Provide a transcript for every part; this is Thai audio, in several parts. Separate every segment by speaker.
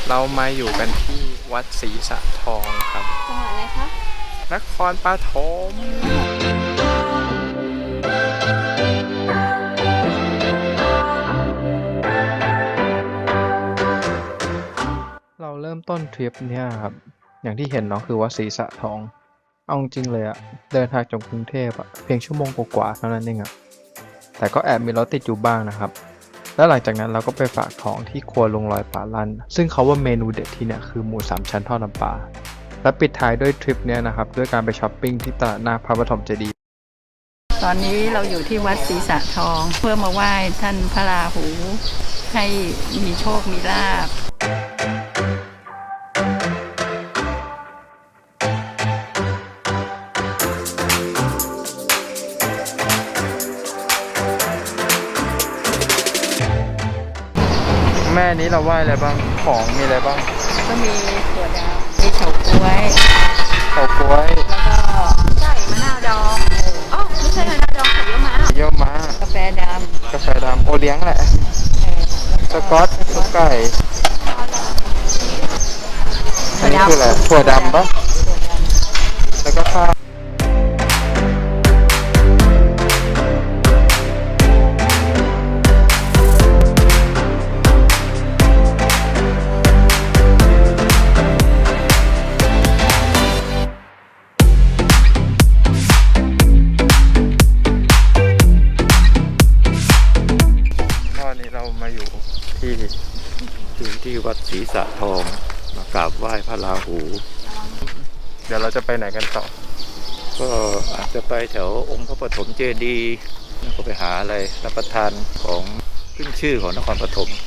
Speaker 1: เรามาอยู่กันที่วัดศรีสะทองครับ
Speaker 2: จังหวัดอะไรคะ
Speaker 1: นครปฐมเราเริ่มต้นทริปเนี่ยครับอย่างที่เห็นเนาะคือวัดศรีสะทองเอาจริงเลยอะเดินทางจากกรุงเทพอะเพียงชั่วโมงกว่าๆเท่านั้นเองอะแต่ก็แอบมีรถติดอยู่บ้างนะครับแล้วหลังจากนั้นเราก็ไปฝากท้องที่ครัวลุงลอยป่าลั่นซึ่งเขาว่าเมนูเด็ดที่เนี่ยคือหมูสามชั้นทอดน้ำปลาและปิดท้ายด้วยทริปเนี่ยนะครับด้วยการไปช้อปปิ้งที่ตลาดหน้าพระปฐมเจดีย์
Speaker 3: ตอนนี้เราอยู่ที่วัดศรีสะทองเพื่อมาไหว้ท่านพระราหูให้มีโชคมีลาภ
Speaker 1: แม่นี้เราไหว้อะไรบ้างของมีอะไรบ้าง
Speaker 3: ก็มีถั่วดำมีเฉาก๊วย
Speaker 1: เฉาก๊วย
Speaker 3: แล้วก็
Speaker 2: ไก่มะนาวดองอ๋อไม่ใช่มะนาวดองแต่เยอะมาก
Speaker 1: เยอะมาก
Speaker 3: กาแฟด
Speaker 1: กาแฟดำโอเลี้ยงแหละสกอตซุปไก่อันนี้คืออะไรถั่วดำปะแล้วก็ข้าวเรามาอยู่
Speaker 4: ที่วัดศรีสะทองมากราบไหว้พระราหู
Speaker 1: เดี๋ยวเราจะไปไหนกันต่อ
Speaker 4: ก็อาจจะไปแถวองค์พระปฐมเจดีย์แล้วก็ไปหาอะไรรับประทานของขึ้นชื่อของนครปฐม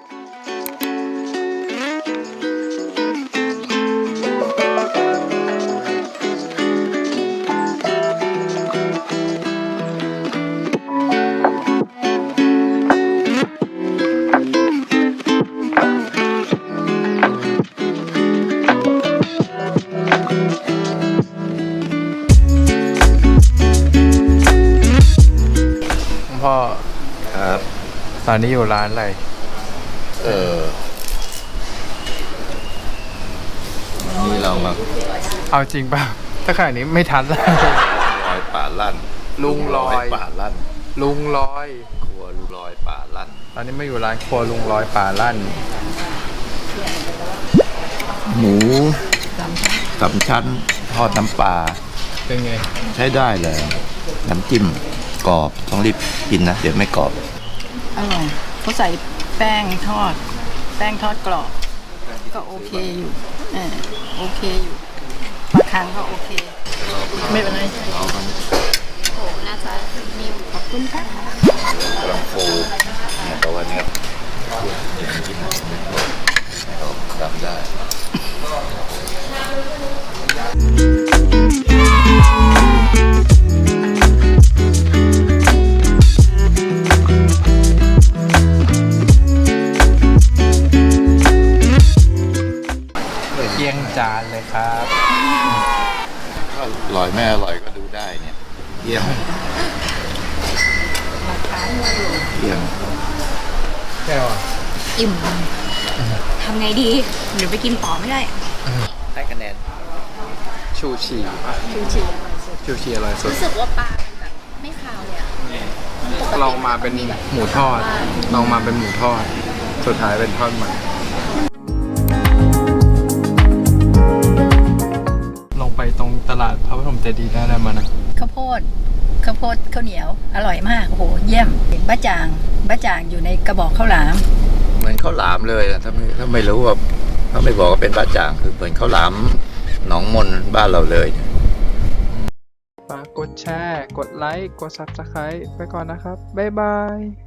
Speaker 1: พ่อ
Speaker 4: ครับ
Speaker 1: ตอนนี้อยู่ร้านอะไร
Speaker 4: นี่เรามา
Speaker 1: เอาจริงป่ะถ้าขนาดนี้ไม่ทันแล้ว
Speaker 4: ลอยป่าลั่น
Speaker 1: ลุงลอย
Speaker 4: ป่าลั่น
Speaker 1: ลุงลอย
Speaker 4: ครัวลุงลอยป่าลั่น
Speaker 1: ตอนนี้ไม่อยู่ร้านครัวลุงลอยป่าลั่น
Speaker 4: หมูสามชั้นทอดน้ำปลา
Speaker 1: เป็นไง
Speaker 4: ใช้ได้เลยน้ำจิ้มกรอบต้องรีบกินนะเดี๋ยวไม่กรอบ
Speaker 3: อร่อยเขาใส่แป้งทอดกรอบก็โอเคอยู่โอเคอยู่บางครั้งก็โอเคไม่เป็นไร
Speaker 2: โอ้น่าจะมีขอบคุณค่ะ
Speaker 4: กำลังฟูเนี่ยแต่ว่าเนี้ยกินเราทำได้
Speaker 1: เยี่ยงจานเลยครับ
Speaker 4: อร่อยไม่อร่อยก็ดูได้เนี่ยเยี่ยม
Speaker 1: แก้ว
Speaker 2: อิ่มทำไงดีเดี๋ยวไปกินต่อไม่ได้
Speaker 4: ให้คะแนน
Speaker 1: ชูชีอร่อยสุด
Speaker 2: รู้สึกว่าปลาแบบไม่คาวเลยอะ
Speaker 1: ลองมาเป็นหมูทอดลองมาเป็นหมูทอดสุดท้ายเป็นทอดมันลงไปตรงตลาดพระปฐมเจดีย์ได้แล้วมานะ
Speaker 3: ข้าวโพดข้าวเหนียวอร่อยมากโอ้โหเยี่ยมบ้าจ่างอยู่ในกระบอกข้าวหลาม
Speaker 4: เหมือนข้าวหลามเลยถ้าไม่รู้ว่าถ้าไม่บอกว่าเป็นบ้าจ่างคือเหมือนข้าวหลามหนองมนบ้านเราเลย
Speaker 1: ฝากกดแชร์กดไลค์กด Subscribe ไปก่อนนะครับบ๊ายบาย